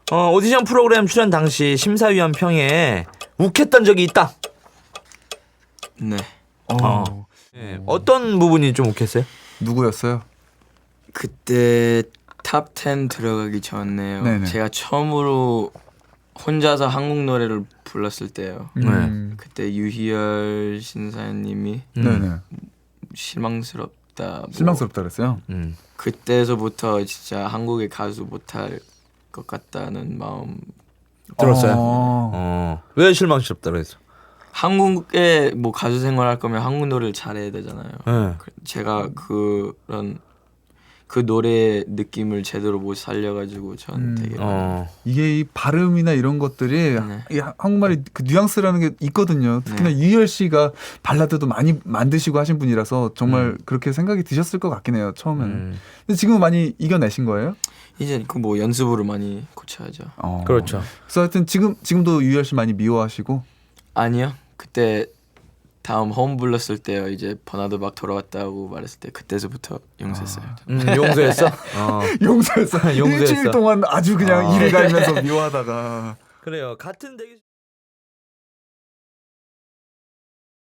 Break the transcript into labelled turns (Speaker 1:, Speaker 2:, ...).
Speaker 1: 오디션 프로그램 출연 당시 심사위원 평에 욱했던 적이 있다.
Speaker 2: 네.
Speaker 1: 네. 어떤 부분이 좀 욱했어요?
Speaker 3: 누구였어요?
Speaker 2: 그때 탑 10 들어가기 전에요.
Speaker 3: 네네.
Speaker 2: 제가 처음으로 혼자서 한국 노래를 불렀을 때요. 그때 유희열 신사님이
Speaker 3: 네네.
Speaker 2: 실망스럽다.
Speaker 3: 실망스럽다 그랬어요.
Speaker 2: 그때서부터 진짜 한국의 가수 못할 것 같다는 마음.
Speaker 1: 들었어요. 왜 실망스럽다 그랬어?
Speaker 2: 한국에 뭐 가수 생활할 거면 한국 노래를 잘해야 되잖아요.
Speaker 1: 네.
Speaker 2: 제가 그런 그 노래의 느낌을 제대로 못 살려가지고 전 되게
Speaker 3: 이게 이 발음이나 이런 것들이
Speaker 2: 네.
Speaker 3: 이 한국말이 그 뉘앙스라는 게 있거든요. 특히나
Speaker 2: 네.
Speaker 3: 유희열 씨가 발라드도 많이 만드시고 하신 분이라서 정말 그렇게 생각이 드셨을 것 같긴 해요. 처음에는. 근데 지금은 많이 이겨내신 거예요?
Speaker 2: 이제 그 뭐 연습으로 많이 고쳐야죠.
Speaker 1: 그렇죠.
Speaker 3: 그래서 하여튼 지금도 유희열 씨 많이 미워하시고.
Speaker 2: 아니요. 그때 다음 홈 불렀을 때요. 이제 버나드 막 돌아왔다고 말했을 때 그때서부터 용서했어요.
Speaker 1: 용서했어?
Speaker 3: 용서했어.
Speaker 1: 용서했어.
Speaker 3: 일주일 동안 아주 그냥 이를 갈면서 미워하다가.
Speaker 1: 그래요. 같은 대기